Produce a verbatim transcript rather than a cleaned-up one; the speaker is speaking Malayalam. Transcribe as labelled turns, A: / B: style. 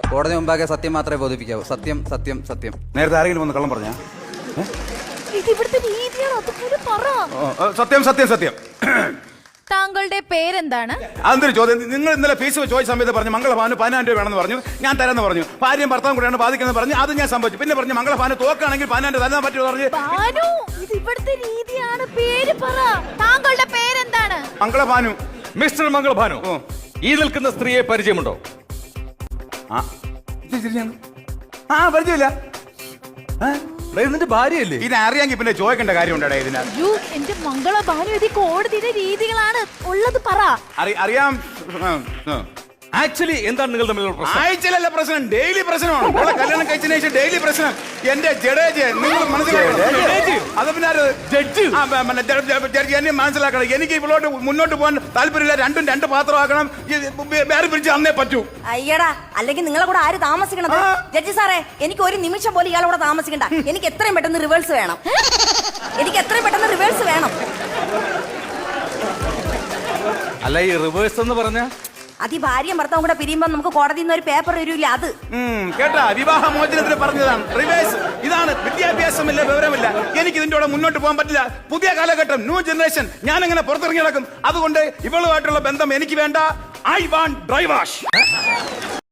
A: കോടതി മുമ്പാകെ സത്യം മാത്രമേ ബോധിപ്പിക്കാവൂ. സത്യം സത്യം സത്യം.
B: നേരത്തെ ആരെങ്കിലും വന്ന് കള്ളം പറഞ്ഞാ?
C: ഇത് ഇവിടുത്തെ രീതിയാണ്, അതുപോലെ പറ.
B: സത്യം സത്യം സത്യം.
C: താങ്കളുടെ പേരെന്താണ്?
B: അതൊരു ചോദ്യം. നിങ്ങൾ ഇന്നലെ ഫീസ് ചോദിച്ച സമയത്ത് പറഞ്ഞു മംഗളഭാന് പതിനായിരം രൂപ വേണമെന്ന് പറഞ്ഞു. ഞാൻ തരാമെന്ന് പറഞ്ഞു. ഭാര്യയും ഭർത്താവും കൂടെയാണ് ബാധിക്കുന്നത് പറഞ്ഞു. അത് ഞാൻ സംഭവിച്ചു. പിന്നെ പറഞ്ഞു മംഗളഭാന് തോക്കാണെങ്കിൽ പതിനായിരം തരാൻ പറ്റുമോ പറഞ്ഞു.
C: ഭാനു, ഇത് ഇവിടുത്തെ രീതിയാണ്. പേര് പറ. താങ്കളുടെ പേരെന്താണ്?
B: മംഗളഭാനു.
D: മിസ്റ്റർ മംഗളഭാനു, ഈ നിൽക്കുന്ന സ്ത്രീയെ പരിചയമുണ്ടോ?
B: ആ ആ പരിചയമില്ല.
D: ഇതിന്റെ ഭാര്യയല്ലേ?
B: ഇത് അറിയാമെങ്കിൽ പിന്നെ ചോദിക്കേണ്ട കാര്യമുണ്ടോ ഇതിനകത്ത്?
C: യു എന്റെ മംഗളഭാനു, ഇത് കോടതിയുടെ രീതികളാണ്. ഉള്ളത് പറ.
B: അറിയാം.
D: ആക്ച്വലി എന്താണ് നിങ്ങൾ തമ്മിലുള്ള പ്രശ്നം?
B: ആഴ്ചയിലല്ല പ്രശ്നം, ഡെയിലി പ്രശ്നമാണ്. ഇവിടെ കല്യാണം കഴിച്ചതിന് ശേഷം ഡെയിലി പ്രശ്നം. എന്റെ ജഡേജ് നിങ്ങൾ മനസ്സിലാക്കണം. അത് പിന്നെ ജഡ്ജ് എന്നെ മനസ്സിലാക്കണം. എനിക്ക് ഇവളോട്ട് മുന്നോട്ട് പോകാൻ താല്പര്യമില്ല. രണ്ടും രണ്ട് പാത്രമാക്കണം. വേറെ പിടിച്ച് അന്നേ പറ്റൂ.
E: അയ്യടാ, അല്ലെങ്കിൽ നിങ്ങളെ കൂടെ ആര് താമസിക്കണത്? ജഡ്ജി സാറേ, എനിക്ക് ഒരു നിമിഷം പോലും ഇയാളെ കൂടെ താമസിക്കണ്ട. എനിക്ക് എത്രയും പെട്ടെന്ന് റിവേഴ്സ് വേണം. എനിക്ക് എത്രയും പെട്ടെന്ന് റിവേഴ്സ് വേണം.
D: അല്ല, ഈ റിവേഴ്സ് എന്ന് പറഞ്ഞ
E: അത് ഈ ഭാര്യയും ഭർത്താവും കൂടെ പിരിയുമ്പോ നമുക്ക് കോടതിയിൽ നിന്ന് ഒരു പേപ്പർ വരില്ല. അത്
B: കേട്ടാ, വിവാഹ മോചനത്തിന് പറഞ്ഞതാണ് റിവേഴ്സ്. ഇതാണ് വിദ്യാഭ്യാസമില്ല, വിവരമില്ല. എനിക്ക് ഇതിന്റെ കൂടെ മുന്നോട്ട് പോകാൻ പറ്റില്ല. പുതിയ കാലഘട്ടം, ന്യൂ ജനറേഷൻ. ഞാൻ എങ്ങനെ പുറത്തിറങ്ങി നടക്കും? അതുകൊണ്ട് ഇവളുമായിട്ടുള്ള ബന്ധം എനിക്ക് വേണ്ട. I want dry wash.